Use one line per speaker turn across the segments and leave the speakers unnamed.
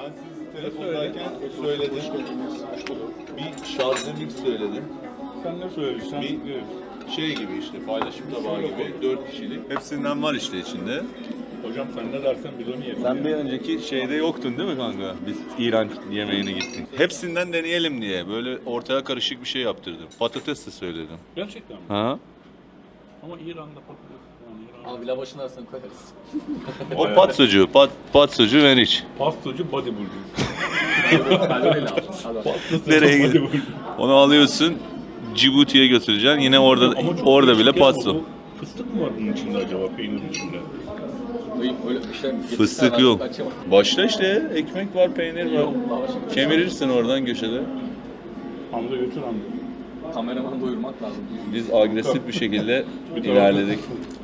Ben siz telefondayken söyledim. Bir şardemix söyledim.
Sen ne söyledin?
Bir şey gibi işte paylaşım tabağı gibi 4 kişilik. Hepsinden var işte içinde.
Hocam sen ne dersen biz onu yiyelim.
Sen bir önceki şeyde yoktun değil mi kanka? Biz İran yemeğine gittik. Hepsinden deneyelim diye böyle ortaya karışık bir şey yaptırdım. Patates de söyledim.
Gerçekten mi?
Ha?
Ama İran'da patates falan.
Abi lavaşın arasına koyarız.
O patsocu, patsocu ver iç.
Pastacı bodybuilder.
Kalori lazım.
Nereye gidiyor? Onu alıyorsun, Cibuti'ye götüreceksin. Yine orada bile patso.
Fıstık mı var bunun içinde acaba, peynirin içinde?
Öyle bir şey.
Fıstık yok. Başta işte ekmek var, peynir var. Kemirirsin oradan köşede.
Hamza götür Hamza.
Kameramanı doyurmak lazım.
Biz agresif bir şekilde ilerledik.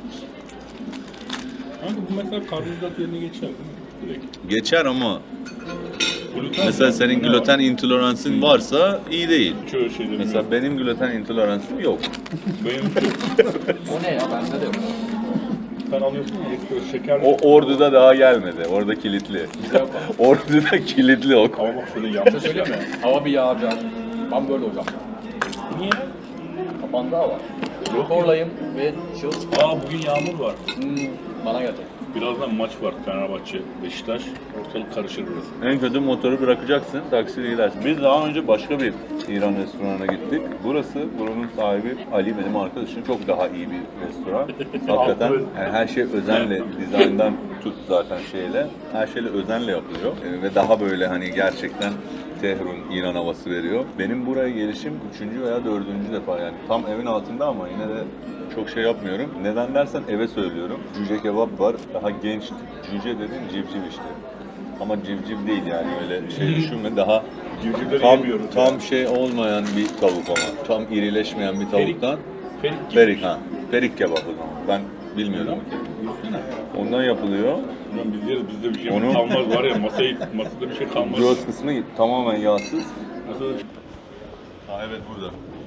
Kanka bu mesela karbonhidrat yerine geçer değil mi? Direkt.
Geçer ama
Gluten
mesela
mi?
senin
Ne
gluten
var?
intoleransın varsa iyi değil.
Şöyle şeylerim
Mesela
yok.
benim gluten intoleransım yok.
Benim
O ne ya? Bende de yok.
sen alıyorsun ya ekstra şeker.
O Ordu'da daha gelmedi. Orada kilitli.
Yok.
Ordu'da kilitli o.
Ama bak şöyle
Bir şey
yanlış.
söyleyeyim mi? Hava bir yağacak. Ben böyle hocam.
Niye?
Kapandı hava.
Yok.
Korlayım ve şahıs
Bugün yağmur var.
bana gelecek.
Birazdan maç var Fenerbahçe, Beşiktaş. Ortalık karışır burası.
En kötü motoru bırakacaksın, taksiyle gidersin. Biz daha önce başka bir İran restoranına gittik. Buranın sahibi Ali benim arkadaşım. Çok daha iyi bir restoran. Hakikaten yani her şey özenle, dizayndan tut zaten şeyle. Her şeyle özenle yapılıyor. Ve daha böyle hani gerçekten Tehrun, İran havası veriyor. Benim buraya gelişim 3. veya 4. defa yani. Tam evin altında ama yine de çok şey yapmıyorum. Neden dersen eve söylüyorum. Cüce kebap var. Daha genç. Cüce dediğin civciv işte. Ama civciv değil yani öyle şey düşünme. Daha
Civcivleri yemiyoruz.
tam şey olmayan bir tavuk ama. Tam irileşmeyen bir tavuktan.
Ferik gibi.
Perik ha. Perik kebap o zaman. Ben bilmiyorum. Ondan yapılıyor.
Ulan biz yeriz, bizde bir şey
Onu-
kalmaz var ya, masada bir şey kalmaz.
Göğüs kısmı tamamen yağsız.
Masada
Ha evet burada.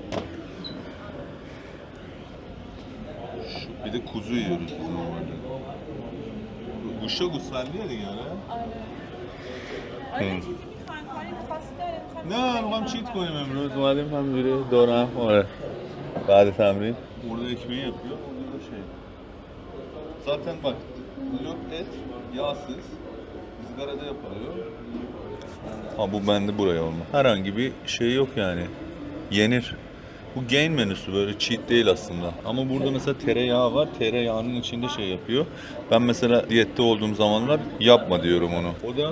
Bir de kuzu yiyoruz biz normalde. Guşa gusfendiydik yani.
آره چیزی میخوان کاری خاصی داره میخوان
نه میخوام چیت کنیم امروز اومدیم همینجوری دورم آره بعد تمرین orada ekmeği yapıyor orada da şey zaten bak yok et yağsız ızgarada yapılıyor ha bu bende buraya olma herhangi bir şey yok yani yenir bu gain menüsü böyle cheat değil aslında ama burada mesela tereyağı var tereyağının içinde şey yapıyor ben mesela diyette olduğum zamanlar yapma diyorum onu o da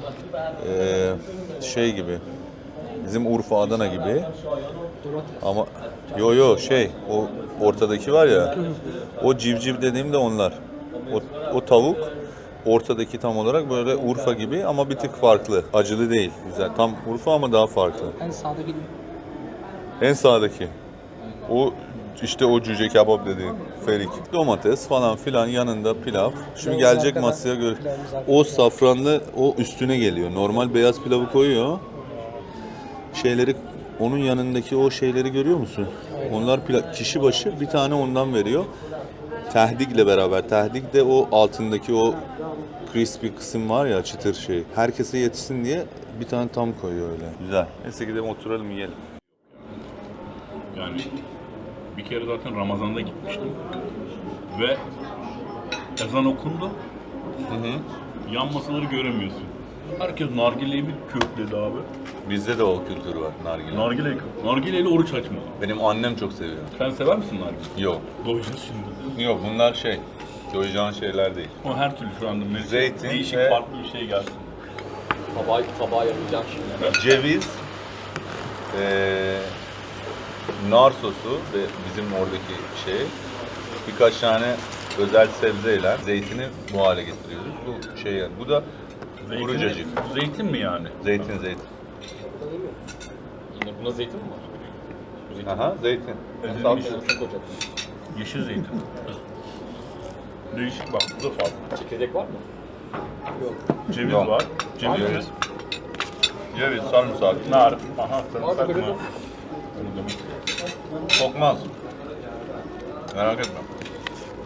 şey gibi bizim Urfa Adana gibi ama şey o ortadaki var ya o civciv dediğim de onlar o tavuk ortadaki tam olarak böyle Urfa gibi ama bir tık farklı acılı değil güzel tam Urfa ama daha farklı en sağdaki o işte o cüce kebap dediğim ferik domates falan filan yanında pilav şimdi gelecek masaya göre o safranlı o üstüne geliyor normal beyaz pilavı koyuyor şeyleri onun yanındaki o şeyleri görüyor musun? Onlar kişi başı bir tane ondan veriyor. Tehdikle beraber. Tehdik de o altındaki o crispy kısım var ya çıtır şey. Herkese yetişsin diye bir tane tam koyuyor öyle. Güzel. Neyse gidelim oturalım yiyelim.
yani bir kere zaten Ramazan'da gitmiştim ve ezan okundu. Yan masaları göremiyorsun. Herkes nargileyi bir kökledi abi.
Bizde de o kültür var nargile.
Nargileyle oruç açmadı.
Benim annem çok seviyor.
Sen sever misin nargile?
Yok.
Doyacağız şimdi.
Yok bunlar şey. Doyacağın şeyler değil.
O her türlü şu anda
Zeytin
değişik
ve-
farklı bir şey gelsin.
Tabağa yapacağım şimdi.
Ceviz, nar sosu ve bizim oradaki şey birkaç tane özel sebzeyle zeytini bu hale getiriyoruz. Bu şey yani. Bu da kuru cacık.
Zeytin mi yani?
Zeytin.
Yine buna zeytin mi var? Bu zeytin.
Aha zeytin.
Ezilmiş.
Arasına koyacak.
Yeşil zeytin. Değişik bak, bu da farklı.
Çekirdek var mı?
Ceviz
Yok.
var. Ceviz.
Ceviz, sarımsak.
Nar. Aha, sarımsak
Abi,
mı?
böyle-
Bunu demek.
Kokmaz. Merak etme.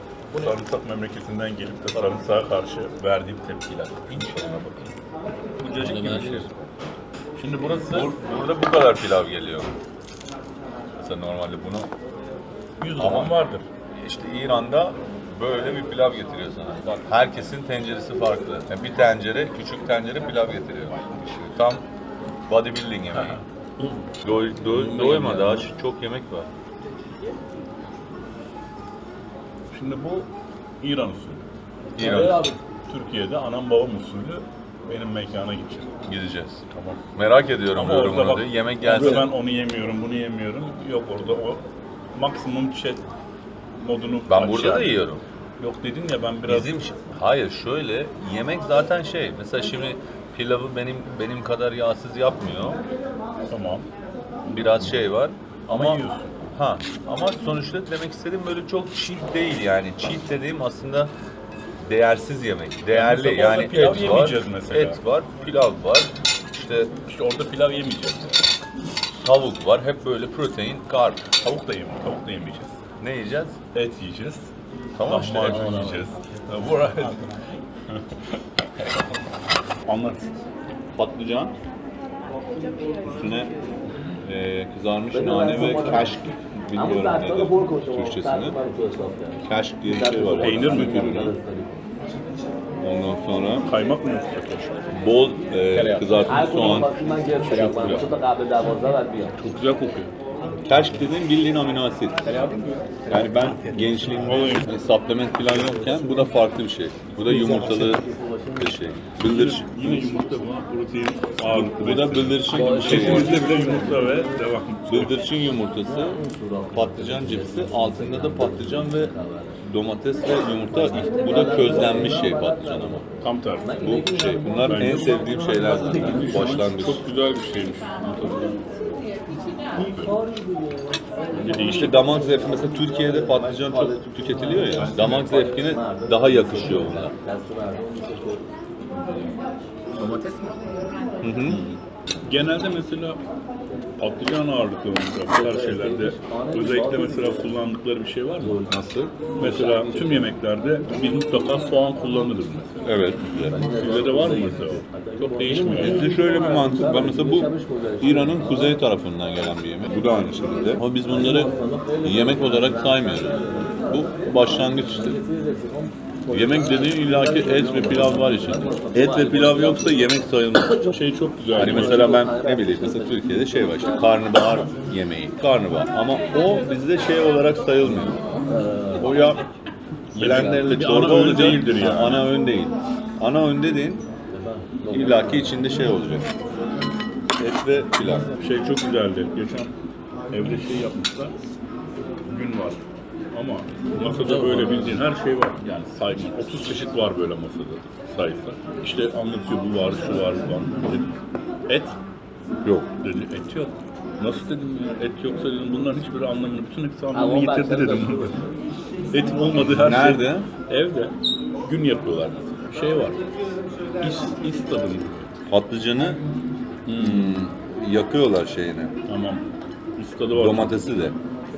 Sarımsak memleketinden gelip de sarımsağa karşı verdiğim tepkiler. İnşallah bakayım. Bu
cacık gibi bir şey. Şimdi burası, burada bu kadar pilav geliyor. Mesela normalde bunu
100 gram vardır.
işte İran'da böyle bir pilav getiriyor sana. Herkesin tenceresi farklı. Yani bir tencere, küçük tencere pilav getiriyor. Tam bodybuilding yemeği. Doyma daha çok yemek var.
Şimdi bu İran usulü.
İran.
Türkiye'de anam babam usulü benim mekana gideceğim.
Gideceğiz.
Tamam.
Merak ediyorum
Ama orada
yorumunu
bak,
diye. Yemek
abi
gelsin.
ben onu yemiyorum, bunu yemiyorum. Yok orada o maksimum chat modunu
Ben
aç
burada da
yani.
yiyorum.
Yok dedin ya ben biraz...
Hayır şöyle yemek zaten şey. Mesela şimdi pilavı benim kadar yağsız yapmıyor.
Tamam.
Biraz şey var.
Ama yiyorsun.
Ama sonuçta demek istediğim böyle çok cheat değil yani. Cheat dediğim aslında değersiz yemek. Değerli
mesela
yani
orada pilav
et var.
yemeyeceğiz mesela.
Et var, pilav var. İşte
İşte orada pilav yemeyeceğiz.
tavuk var. Hep böyle protein, karp.
Tavuk da yemeyeceğiz.
Ne yiyeceğiz?
Et yiyeceğiz.
Tamam işte.
Lahmacun yiyeceğiz. Anlat.
Patlıcan. Üstüne kızarmış nane ve keşk. Bilmiyorum nedir Türkçesini. Keşk diye bir şey var.
Peynir mi?
Süt ürünü. Ondan sonra
Kaymak mı yoksa?
bol kızartılmış soğan.
Çok güzel kokuyor.
Keşk dediğim bildiğin amino asit. Yani ben gençliğimde supplement falan yokken bu da farklı bir şey. Bu da yumurtalı bir şey. Bıldırcın.
Yine yumurta buna protein ağırlıklı.
Bu da bıldırcın gibi bir şey.
Şeklimizde bile yumurta ve devam.
Bıldırcın yumurtası, patlıcan cipsi, altında da patlıcan ve domates ve yumurta. Bu da közlenmiş şey patlıcan ama.
Tam tersi.
Bu şey, bunlar
Bence
en sevdiğim şeyler zaten. Başlangıç.
Çok güzel bir şeymiş. Bence değişik.
İşte damak zevki mesela Türkiye'de patlıcan çok tüketiliyor ya. Damak zevkine daha yakışıyor onlar.
Domates mi?
Hı hı.
Genelde mesela patlıcan ağırlıklı mesela bu tarz şeylerde özellikle mesela kullandıkları bir şey var mı?
Nasıl?
Mesela tüm yemeklerde biz mutlaka soğan kullanırız mesela.
Evet, güzel.
Sizde de var mı mesela o? Çok değişmiyor.
Bizde şöyle bir mantık var. Mesela bu İran'ın kuzey tarafından gelen bir yemek. Bu da aynı şekilde. Ama biz bunları yemek olarak saymıyoruz. Bu başlangıç işte. Yemek dediğin illaki et ve pilav var içinde. Et ve pilav yoksa yemek sayılmaz.
Şey çok güzel.
Hani mesela ben ne bileyim mesela Türkiye'de şey var işte karnabahar yemeği. Karnabahar ama o bizde şey olarak sayılmıyor. O ya blenderle
Bir
çorba
ana öğün
olacak.
değildir yani.
Ana öğün değil. Ana öğün dediğin illaki içinde şey olacak. Et ve pilav.
Şey çok güzeldi. Geçen evde şey yapmışlar. Gün var. Ama masada böyle bildiğin her şey var. Yani sayma. 30 çeşit var böyle masada sayfa. İşte anlatıyor bu var, şu var, bu var. Dedim, et
Yok.
dedi. Et yok. Nasıl dedim ya? Et yoksa dedim bunların hiçbiri anlamını, bütün hepsi anlamını yitirdi dedim. Etin olmadığı her
Nerede?
şey. Evde. Gün yapıyorlar mesela. Şey var. İs tadını.
Patlıcanı yakıyorlar şeyini.
Tamam. İs tadı var.
Domatesi de.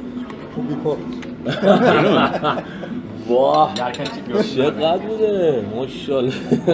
Wah,
Yerken çekiyor.
şaka bile. Maşallah.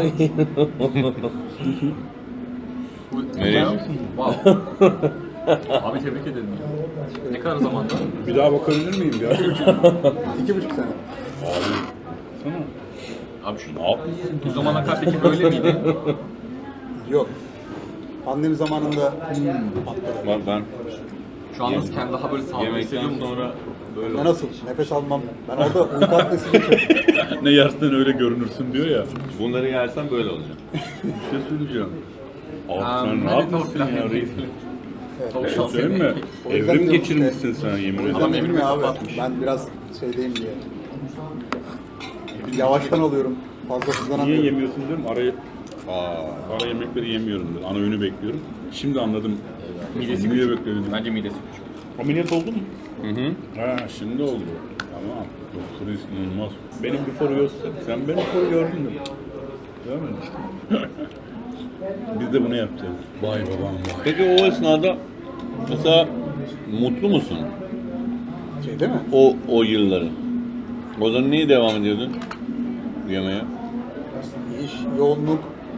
Nereye?
Wow. Abi tebrik ederim. Ne kadar zamanda?
Bir daha bakabilir miyim ya?
2,5 sene.
Sana.
Abi şu ne yapıyorsun? Bu zamana kadar peki böyle miydi?
Yok. Pandemi zamanında
Ben
Şu an nasıl kendi daha böyle sağlıklı hissediyor
yemekten
musun?
sonra böyle
ya nasıl? Nefes almam. Ben orada uyku apnesi geçirdim.
Ne yersen öyle görünürsün diyor ya.
bunları yersen böyle olacak.
Bir şey söyleyeceğim. Abi
Ha,
sen ne
hadi
yapmışsın
tavuk
ya
pilav.
reis?
Tavuk
Şey
şansı
söyleyeyim mi?
yemeği.
O yüzden
Evrim
diyorum
geçirmişsin sen yemin
O
ederim.
yüzden
Adam
dedim ya abi.
kapatmış.
Ben biraz şeydeyim diye. Yavaştan alıyorum. Fazla
Niye
hızlanamıyorum.
yemiyorsun diyorum. Ara yemekleri yemiyorum dedim. Ana öğünü bekliyorum. Şimdi anladım.
Midesi
Niye
küçük.
bekledim?
Bence midesi küçük.
Ameliyat oldu mu?
Hı hı.
Ha şimdi oldu. Tamam. Doktor inanılmaz. Benim before göster. Sen benim before gördün mü? Görmedin işte. Biz de bunu yapacağız. Vay babam vay.
Peki o esnada mesela mutlu musun?
Şey değil mi?
O yılları. O zaman niye devam ediyordun yemeğe?
İş, yoğunluk,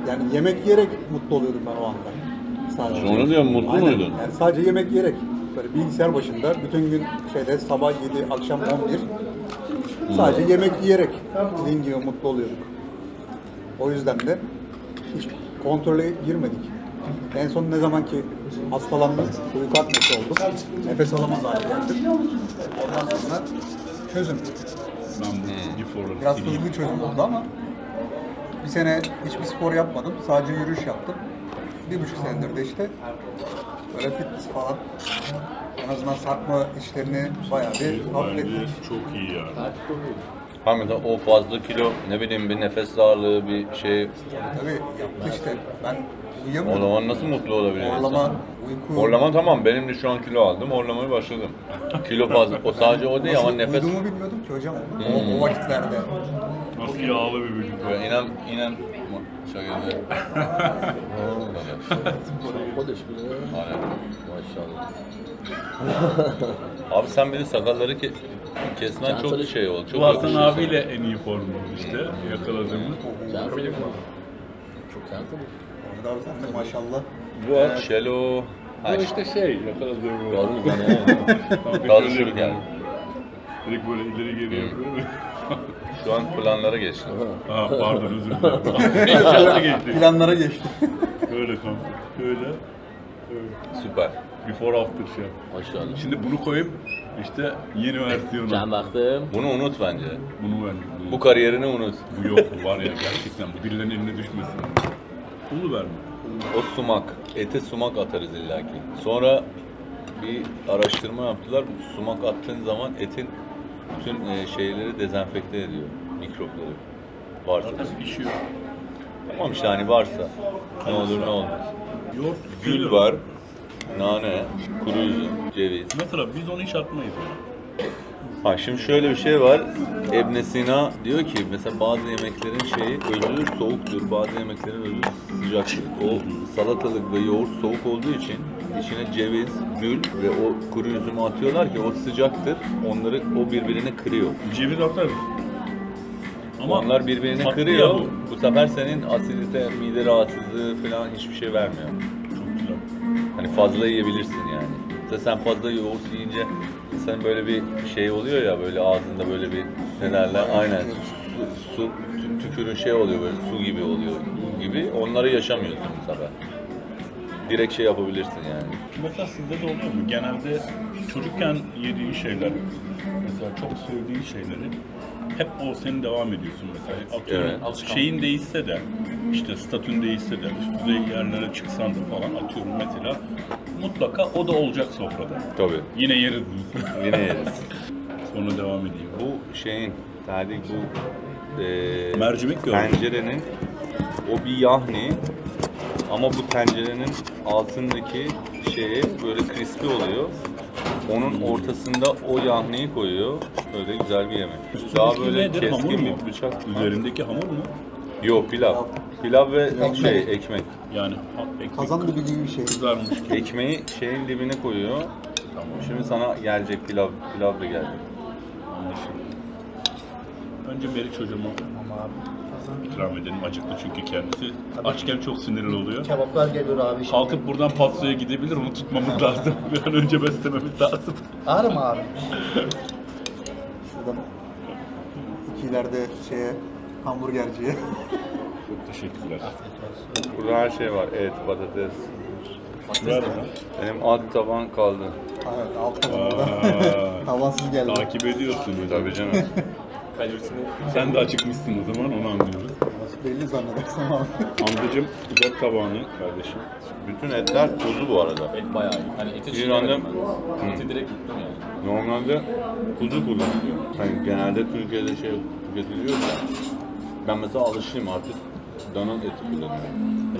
Yani yemek yiyerek mutlu oluyordum ben o anda. Sadece.
Onu diyorum, mutlu
Aynen.
muydun?
Yani sadece yemek yiyerek. Böyle bilgisayar başında bütün gün sabah 7, akşam 11. Sadece yemek yiyerek dediğin gibi mutlu oluyorduk. O yüzden de hiç kontrole girmedik. En son ne zaman ki hastalandım, uyku apnesi oldum. Nefes alamaz hale geldim. Ondan sonra çözüm.
Ben bu Gifor'ları
Biraz
sileyim.
hızlı çözüm oldu ama bir sene hiçbir spor yapmadım. Sadece yürüyüş yaptım. 1,5 senedir de işte böyle fitness falan. En azından sarkma işlerini bayağı bir
Bence
hafiflettik.
çok iyi yani.
Hakikaten o fazla kilo, ne bileyim bir nefes darlığı, bir şey.
Tabii yaptı işte. Ben
O
uyuyamıyorum.
zaman nasıl mutlu olabiliyor
Horlama,
insan?
uyku...
Horlama tamam, benim de şu an kilo aldım, horlamaya başladım. Kilo fazla, o sadece o değil ama
Nasıl
nefes...
uyuduğumu bilmiyordum ki hocam. O vakitlerde.
Nasıl yağlı bir vücut.
Ya inan şöyle.
Kodeş bile.
Aynen.
Maşallah.
Abi sen bir de sakalları kesmen çok şey oldu. Çok
Bu Hasan
yakışıyor sana.
abiyle en iyi formumuz işte yakaladığımız.
Sen film mi? Çok sen film.
Orada abi sen de maşallah.
Bu Şelo. Ha
Bu
işte.
işte yakaladığımız.
Doğru mu lan oğlum?
Kaldı şunu geldi.
Direkt böyle ileri geri yapıyor.
Şu an planlara geçti.
Ha pardon özür dilerim. İnşaata geçtik.
Planlara geçti.
Böyle kanka. Böyle.
Süper.
Before after şey.
Maşallah.
Şimdi bunu koyup işte yeni versiyonu.
Can baktım.
Bunu unut bence.
Bunu verdik.
Bu kariyerini unut.
Bu yok bu var ya gerçekten bu birilerinin eline düşmesin. Pulu verme.
O sumak. Ete sumak atarız illaki. Sonra bir araştırma yaptılar. Sumak attığın zaman etin bütün şeyleri dezenfekte ediyor. Mikropları. Varsa.
Zaten pişiyor.
Tamam işte hani varsa. Ne olur ne olmaz.
Yoğurt.
Gül var. Nane, kuru üzüm, ceviz.
Mesela biz onu hiç atmayız.
Ha şimdi şöyle bir şey var. İbn Sina diyor ki mesela bazı yemeklerin özü soğuktur, bazı yemeklerin özü sıcaktır. O salatalık ve yoğurt soğuk olduğu için içine ceviz, gül ve o kuru üzümü atıyorlar ki o sıcaktır. O birbirini kırıyor.
Ceviz atarız. Ama
Onlar birbirini
tatlı
kırıyor.
ya bu.
Bu sefer senin asidite, mide rahatsızlığı falan hiçbir şey vermiyor.
Çok güzel.
Hani fazla yiyebilirsin yani. Mesela sen fazla yoğurt yiyince senin böyle bir şey oluyor ya, böyle ağzında böyle bir ne derler, aynen su tükürün oluyor, böyle su gibi oluyor gibi, onları yaşamıyorsun bu sefer. Direkt yapabilirsin yani.
Mesela sizde de oluyor mu? Genelde çocukken yediğin şeyler, mesela çok sevdiğin şeyleri hep o senin devam ediyorsun mesela. Atıyorum,
Evet.
şeyin değişse de, işte statün değişse de, üst düzey yerlere çıksan da falan atıyorum mesela mutlaka o da olacak sofrada.
Tabii.
Yine yeriz.
Yine yeriz.
Sonra devam edeyim.
Bu şeyin, tabii bu
Mercimek gördüm.
tencerenin, o bir yahni ama bu tencerenin altındaki böyle crispy oluyor. Onun ortasında o yahniyi koyuyor. Böyle güzel bir yemek. Daha
Üstündeki
böyle
nedir? Hamur
keskin
mu?
bir bıçak.
Üzerindeki hamur mu?
Yok, pilav. Pilav ve ekmek.
Yani ekmek
Kazan dibi gibi bir şey.
kızarmış gibi.
Ekmeği şeyin dibine koyuyor.
Tamam.
Şimdi sana gelecek pilav da gelecek.
Anlaşıldı. Önce Meriç hocama ikram edelim. Acıktı çünkü kendisi. Açken çok sinirli oluyor.
Kebaplar geliyor abi şimdi.
Kalkıp buradan Patso'ya gidebilir, onu tutmamız lazım. Bir an önce beslememiz lazım.
Ağrı mı abi?
Şuradan iki ileride hamburgerciye.
Çok teşekkürler.
Burada her şey var. Et, patates.
Ver bana.
Benim alt taban kaldı.
Evet, alt tarafında. Tavansız geldi.
Takip ediyorsun.
Tabii canım.
Sen de acıkmışsın o zaman, onu anlıyoruz.
Belli zannedersem abi.
Amcacım uzat tabağını kardeşim.
Bütün etler tuzlu bu arada.
Et bayağı iyi. Hani eti
İran'da
çiğnemedim ben. Eti direkt yuttum yani.
normalde kuzu kullanılıyor. Hani genelde Türkiye'de tüketiliyor da. Ben mesela alışayım artık. Dana eti kullanıyorum.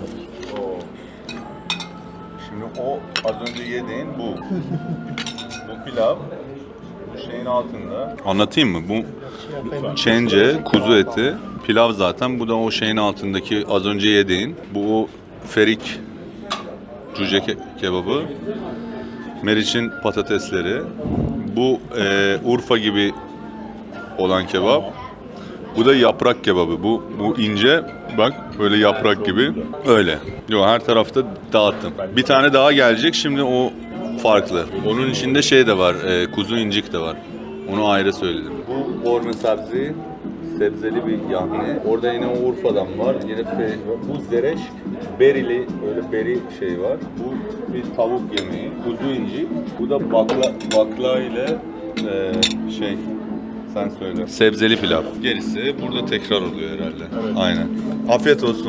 Şimdi o az önce yediğin bu. Bu pilav. Bu şeyin altında. Anlatayım mı? Bu çence, kuzu eti. Pilav zaten. Bu da o şeyin altındaki az önce yediğin. Bu o ferik cüce kebabı. Meriç'in patatesleri. Bu Urfa gibi olan kebap. Bu da yaprak kebabı. Bu ince. Bak böyle yaprak gibi. Öyle. Yok her tarafta dağıttım. Bir tane daha gelecek. Şimdi o farklı. Onun içinde şey de var. Kuzu incik de var. Onu ayrı söyledim. Bu borne sabzi. Sebzeli bir yahni. Orada yine Urfa'dan var. Yine bu zereş. Berili böyle beri şey var. Bu bir tavuk yemeği. Kuzu inci. Bu da bakla ile şey sen söyle. Sebzeli pilav. Gerisi burada tekrar oluyor herhalde.
Evet.
Aynen. Afiyet olsun.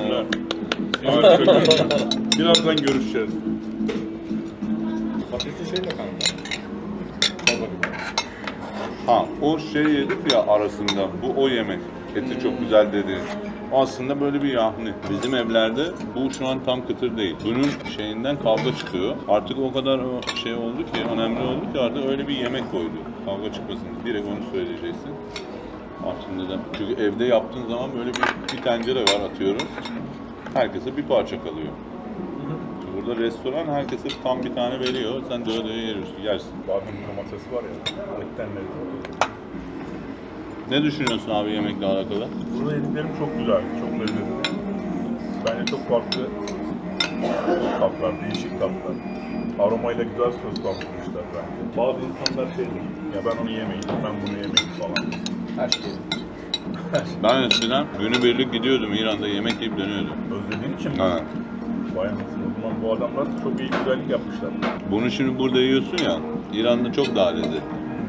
Birazdan görüşeceğiz.
Patatesi şeyle kanka.
Ha o şey yedik ya arasında. Bu o yemek. Eti çok güzel dedi. Aslında böyle bir yahni. Bizim evlerde bu şu an tam kıtır değil. Bunun şeyinden kavga çıkıyor. Artık o kadar şey oldu ki, önemli oldu ki artık öyle bir yemek koydu. Kavga çıkmasın. Direkt onu söyleyeceksin. Artık neden? Çünkü evde yaptığın zaman böyle bir tencere var atıyorum. Herkese bir parça kalıyor. Burada restoran herkese tam bir tane veriyor. Sen doya yersin.
Badem domatesi var ya. Etten lezzetli.
Ne düşünüyorsun abi yemekle alakalı?
Burada yediklerim çok güzel, çok lezzetli. Bence çok farklı tatlar, değişik tatlar. Aromayla güzel soslandırmışlar bence. Bazı insanlar şeydir, ya ben onu yemeyeyim, ben bunu yemeyeyim falan.
Her şey.
Ben eskiden günübirlik gidiyordum İran'da yemek yiyip dönüyordum.
Özlediğin için mi?
Ha.
Vay anasını, o zaman bu adamlar çok iyi güzellik yapmışlar.
Bunu şimdi burada yiyorsun ya, İran'da çok daha lezzetli.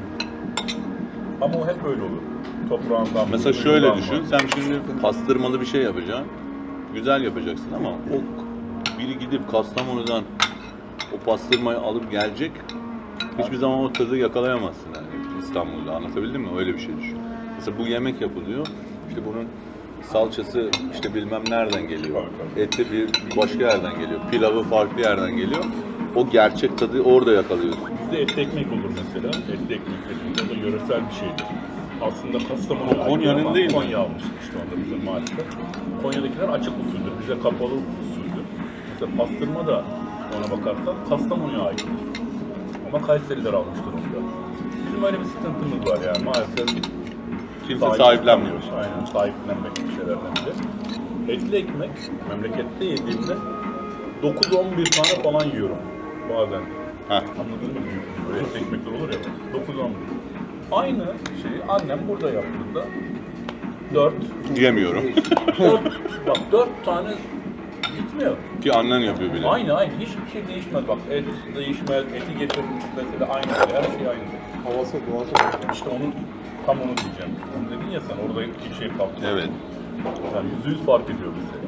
Ama o hep öyle olur. Toprağından,
Mesela
suyundan
şöyle
var.
düşün, sen şimdi pastırmalı bir şey yapacaksın. Güzel yapacaksın ama o biri gidip Kastamonu'dan o pastırmayı alıp gelecek. Hiçbir zaman o tadı yakalayamazsın yani İstanbul'da. Anlatabildim mi? Öyle bir şey düşün. Mesela bu yemek yapılıyor. İşte bunun salçası işte bilmem nereden geliyor. Eti bir başka yerden geliyor. Pilavı farklı yerden geliyor. O gerçek tadı orada yakalıyorsun.
Bizde etli ekmek olur mesela. Etli ekmek dediğinde o da yöresel bir şeydir. Aslında Kastamonu
O Konya'nın değil mi?
Konya almıştı işte onda bizim maalesef. Konya'dakiler açık usuldür. Bize kapalı usuldür. Mesela pastırma da ona bakarsan Kastamonu'ya aittir. Ama Kayseriler almıştır onu da. Bizim öyle bir sıkıntımız var yani maalesef.
Kimse sahiplenmiyor.
Aynen sahiplenmek bir şeylerden biri. Etli ekmek memlekette yediğimde 9-11 tane falan yiyorum bazen.
Heh.
Anladın mı? Böyle etli ekmekler olur ya 9-11. Aynı şeyi annem burada yaptığında 4
Yemiyorum.
bak 4 tane gitmiyor.
Ki annen yapıyor bile.
Aynı hiçbir şey değişmez bak et değişmez, eti getirmiş mesela aynı her şey aynı.
Havası, doğası.
İşte onun tam onu diyeceğim. Onu dedin ya sen orada iki şey kalktı.
Evet.
Yani %100 fark ediyor bize.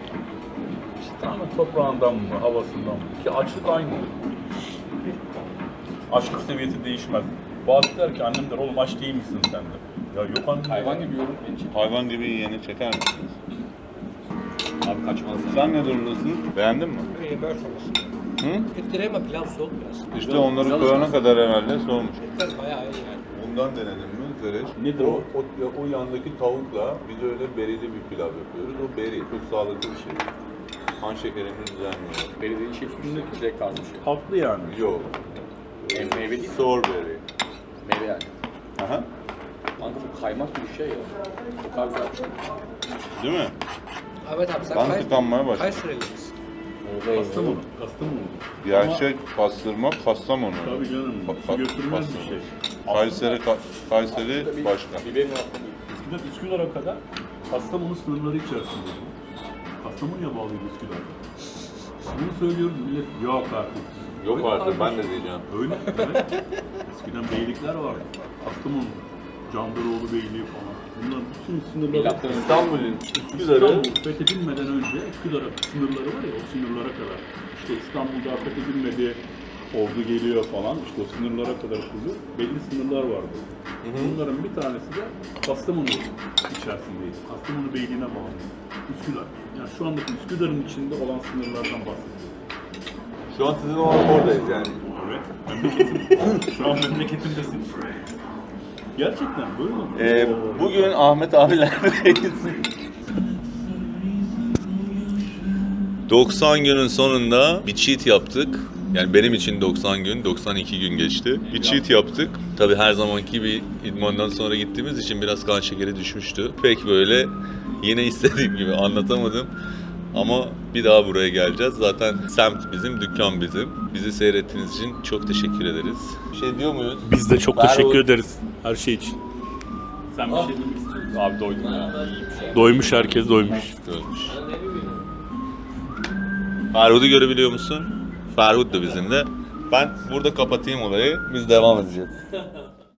İşte ama toprağından mı, havasından mı? Ki açlık aynı. Açlık seviyesi değişmez. Bazı der ki annem der oğlum aç değil misin sen de? Ya yok annem.
Hayvan gibi yorum beni çekiyor.
Hayvan gibi yiyeni çeker misiniz?
Abi kaçmaz.
Sen ne durumdasın? Beğendin mi?
İyi böyle olsun.
Hı?
Etleri ama pilav soğuk biraz.
İşte onları koyana kadar herhalde soğumuş.
Etler bayağı iyi yani.
Bundan denedim mi Zereş?
Nedir o?
O yandaki tavukla biz öyle berili bir pilav yapıyoruz. O beri çok sağlıklı bir şey. Kan şekerimiz düzenliyor.
Belediye işi üstünde direkt az bir şey.
Tatlı yani.
Yok.
Meyve değil mi?
Strawberry.
Meyve yani.
Aha.
Kanka bu kaymak gibi bir şey ya. O kadar güzel bir şey.
Değil mi?
Evet abi sen
Ben tıkanmaya başladım.
Kayseri'li misin?
Kastamonu. Kastamonu.
Gerçek pastırma Kastamonu.
Tabii canım. Su götürmez bir şey.
Kayseri başka.
Biberin altında.
Eskiden Üsküdar'a kadar Kastamonu sınırları içerisinde. Kastamonu'ya bağlıydı Üsküdar. Bunu söylüyoruz millet yok artık.
Yok
Öyle
artık ben
kardeşim.
de diyeceğim.
Öyle. Evet. Eskiden beylikler vardı. Kastamonu, Candaroğlu Beyliği falan. Bunların bütün sınırları.
Milattan önce.
İstanbul'un
İstanbul fethedilmeden önce Üsküdar'a sınırları var ya o sınırlara kadar. İşte İstanbul'da fethedilmedi, ordu geliyor falan. İşte o sınırlara kadar kuruluyor. Belli sınırlar vardı. Bunların bir tanesi de Kastamonu içerisindeydi. Kastamonu Beyliği'ne bağlı. Üsküdar. Yani şu andaki Üsküdar'ın içinde olan sınırlardan bahsediyorum.
Şu an sizin oradayız yani.
Evet. Memleketim. Şu an memleketimdesin. Gerçekten böyle mi?
Bugün Ahmet abilerdeyiz. 90 günün sonunda bir cheat yaptık. Yani benim için 90 gün, 92 gün geçti. Bir cheat yaptık. Tabii her zamanki gibi idmandan sonra gittiğimiz için biraz kan şekeri düşmüştü. Pek böyle yine istediğim gibi anlatamadım. Ama bir daha buraya geleceğiz. Zaten semt bizim, dükkan bizim. Bizi seyrettiğiniz için çok teşekkür ederiz. Bir şey diyor muyuz?
Biz de çok
Ferhat.
teşekkür ederiz her şey için. Sen bir şey demek istiyorsun. Abi doydum ya. Doymuş, herkes doymuş.
Görmüş. Ferhud'u görebiliyor musun? Ferhud da bizimle. Ben burada kapatayım olayı. Biz devam edeceğiz.